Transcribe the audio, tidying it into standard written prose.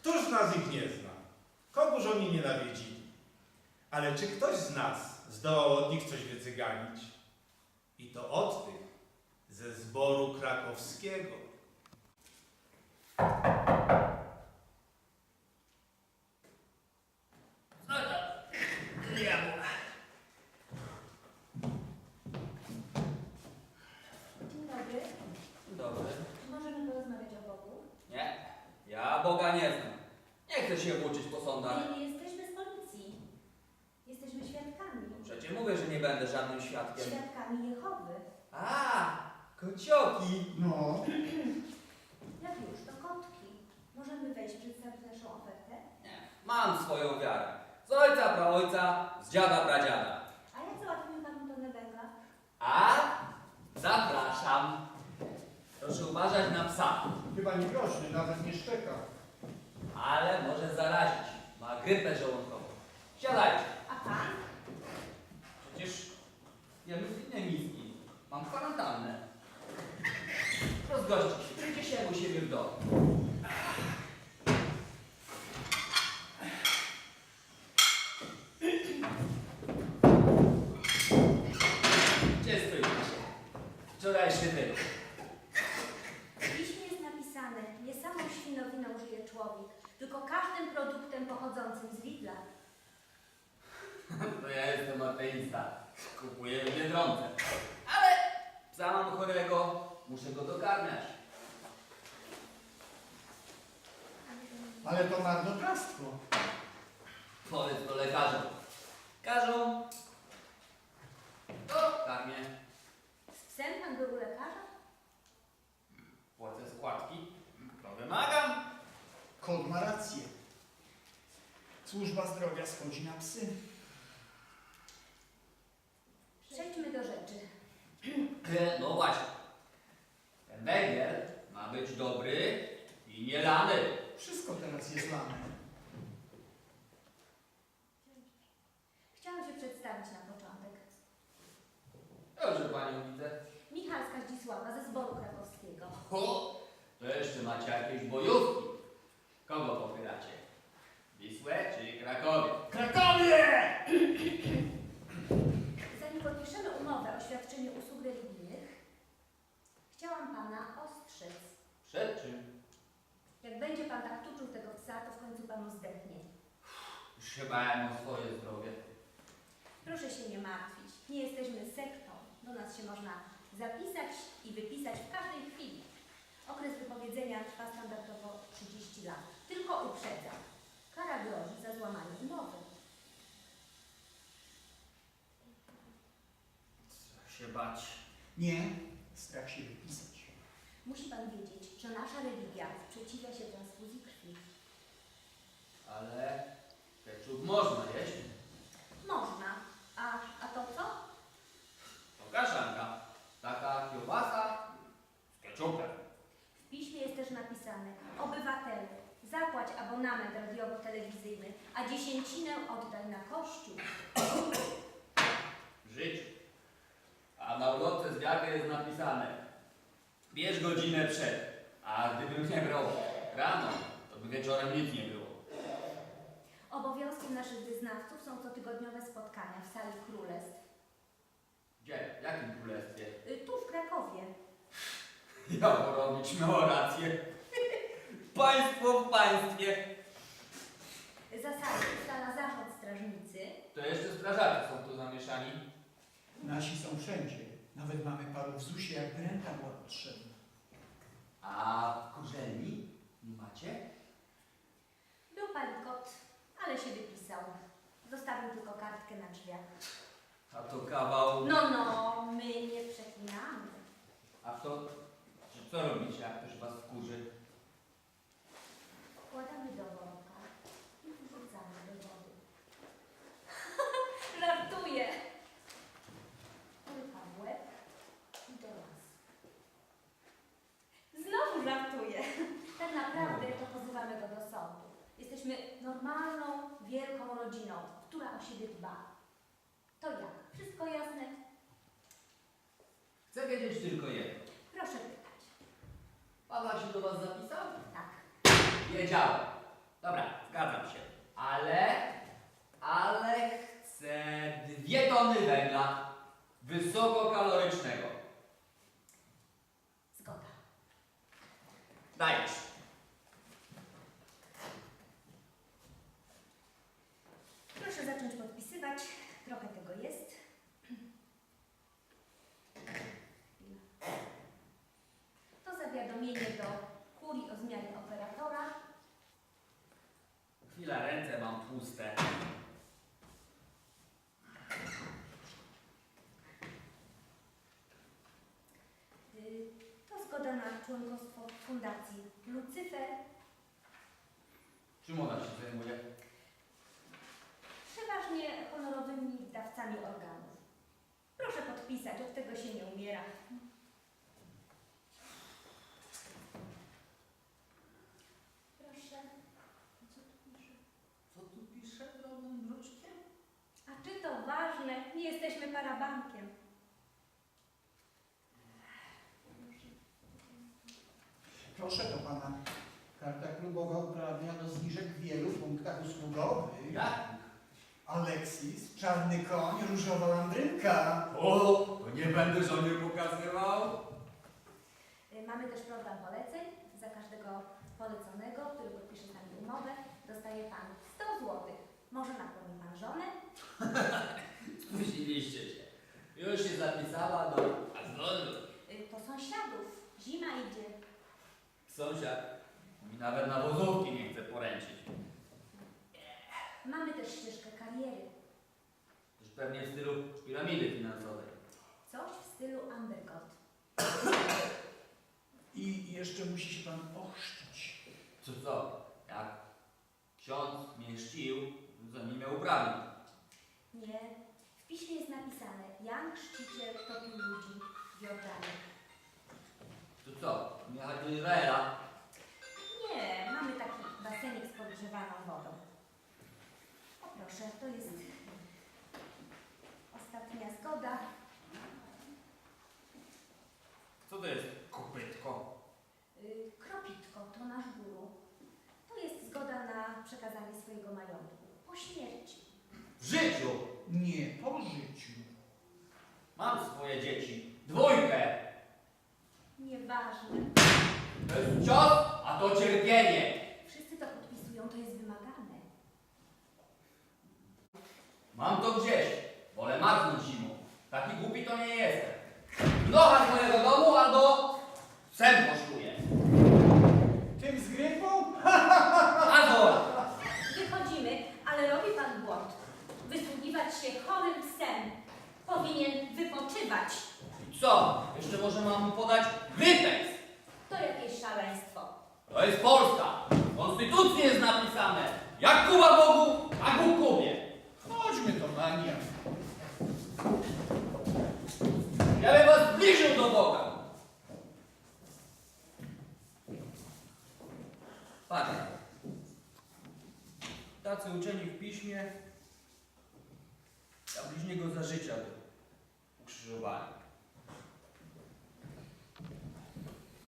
Któż z nas ich nie zna? Kogóż oni nienawidzili? Ale czy ktoś z nas zdołał od nich coś wycyganić? I to od tych ze zboru krakowskiego. No to diabła. Dzień dobry. Dobry. Czy możemy porozmawiać o Bogu? Nie, ja Boga nie znam. Nie chcę się włóczyć po sądach. Nie jesteśmy z policji. Jesteśmy świadkami. Przecież mówię, że nie będę żadnym świadkiem. Świadkami Jehowy. A, kocioki. No, Jak już, to kotki. Możemy wejść, przedstawić naszą ofertę? Nie, mam swoją wiarę. Z ojca, praojca, z dziada, pradziada. A jak załatwimy panu tonę węgla? A, zapraszam. Proszę uważać na psa, chyba nie groźny, nawet nie szczeka. ale może zarazić. Ma grypę żołądkową. Siadajcie. A pan? Przecież jem z innej miski. Mam kwarantannę. Rozgoście się. Będzie się u siebie w domu. Gdzie stoicie? Wczorajszy wyrok. W piśmie jest napisane, nie samą świnowiną żyje człowiek, tylko każdym produktem pochodzącym z Lidla. To ja jestem ateista. Kupuję w Biedronce. Ale psa mam chorego. Muszę go dokarmiać. Ale to marnotrawstwo. Powiedz to lekarzom. Każą. To karmię. Z psem pan był u lekarza? Płacę składki. To wymagam. Kot ma rację. Służba zdrowia schodzi na psy. Przejdźmy do rzeczy. No właśnie. Ten węgiel ma być dobry i nie lany. Wszystko teraz jest lane. Chciałam się przedstawić na początek. Dobrze panią widzę. Michalska Zdzisława ze zboru krakowskiego. O, to jeszcze macie jakieś bojówki. Kogo popieracie? Wisłę czy Krakowie? Krakowie! Zanim podpiszemy umowę o świadczeniu usług religijnych, chciałam pana ostrzec. Przed czym? Jak będzie pan tak tuczył tego psa, to w końcu panu zdechnie. Już się bałem o swoje zdrowie. Proszę się nie martwić. Nie jesteśmy sektą. Do nas się można zapisać i wypisać w każdej chwili. Okres wypowiedzenia trwa standardowo 30 lat. Tylko uprzedzam. Kara grozi za złamanie umowy. Strach się bać. Nie, strach się wypisać. Musi pan wiedzieć, że nasza religia sprzeciwia się transfuzji krwi. Ale ketchup można jeść. Można. A to co? To kaszanka. Taka kiełbasa z ketchupem. W piśmie jest też napisane: obywatelu, zapłać abonament radiowo-telewizyjny, a dziesięcinę oddaj na kościół. W życiu. A na ulotce z wiary jest napisane: bierz godzinę przed. A gdybym nie brał rano, to by wieczorem nic nie było. Obowiązkiem naszych wyznawców są cotygodniowe spotkania w sali królestw. Gdzie? W jakim królestwie? Tu w Krakowie. Ja porobić miał rację. Państwo w państwie. Zasady ustala zarząd strażnicy. To jeszcze strażacy są tu zamieszani. Nasi są wszędzie. Nawet mamy paru w ZUS-ie, jakby renta była potrzebna. A kurzelni nie macie? Był palikot, ale się wypisał. Zostawił tylko kartkę na drzwiach. A to kawał. No, my nie przeklinamy. A to co robicie, jak ktoś was wkurzy? Wkładamy do worka i wrzucamy do wody. Żartuję! Łyka w łeb i do lasu. Znowu żartuję. Tak naprawdę to pozywamy go do sądu. Jesteśmy normalną, wielką rodziną, która o siebie dba. To jak? Wszystko jasne? Chcę wiedzieć tylko jedno. Proszę pytać. Paweł się do was zapisał? Tak. Wiedziałem. Dobra, zgadzam się. Ale chcę 2 tony węgla wysokokalorycznego. Zgoda. Dajesz. Proszę zacząć podpisywać. Trochę tego jest. To zawiadomienie do kurii o zmianie operatora. Chwila, ręce mam tłuste. To zgoda na członkostwo w Fundacji Lucyfer. Czym ona się zajmuje? Przeważnie honorowymi dawcami organów. Proszę podpisać, od tego się nie umiera. Proszę. Co tu pisze? Co tu pisze drobnym druczkiem? A czy to ważne? Nie jesteśmy parabankiem. Proszę do pana. Karta klubowa uprawnia do zniżek w wielu punktach usługowych. Jak? Aleksis, czarny koń, różowa landrynka. O, to nie będę żonie pokazywał. Mamy też program poleceń. Za każdego poleconego, który podpisze z nami umowę, dostaje Pan 100 zł. Może nakłoni Pan żonę? Spóźniliście się. Już się zapisała do Azonu. To sąsiadów. Zima idzie. Sąsiad mi nawet na wozówki nie chce poręczyć. Mamy też ścieżkę kariery. Też pewnie w stylu piramidy finansowej. Coś w stylu underground. I jeszcze musi się pan ochrzcić. Co? Jak ksiądz mnie chrzcił, to nie miał uprawnień. Nie. W piśmie jest napisane: Jan Chrzciciel topił ludzi w Jordanie. Co? Jechać do Izraela? Nie, mamy taki basenik z podgrzewaną wodą. O proszę, to jest ostatnia zgoda. Co to jest kopytko? Kropitko to nasz guru. To jest zgoda na przekazanie swojego majątku po śmierci. W życiu Nie po życiu. mam swoje dzieci. 2. Nieważne. To jest cios, a to cierpienie. Wszyscy to podpisują, to jest wymagane. Mam to gdzieś. Wolę marznąć zimą. Taki głupi to nie jestem. Nocha z mojego domu albo sen poszluję. Tym z grypą? Azor! Wychodzimy, ale robi Pan błąd. Wysługiwać się chorym psem. Powinien wypoczywać. I co? Jeszcze może mam mu podać wypeks. To jakieś szaleństwo. To jest Polska. W Konstytucji jest napisane. Jak Kuba Bogu, a Bóg Kubie. Chodźmy do mania. Ja bym was zbliżył do Boga. Patrz. Tacy uczeni w piśmie, a bliźniego za życia ukrzyżowali.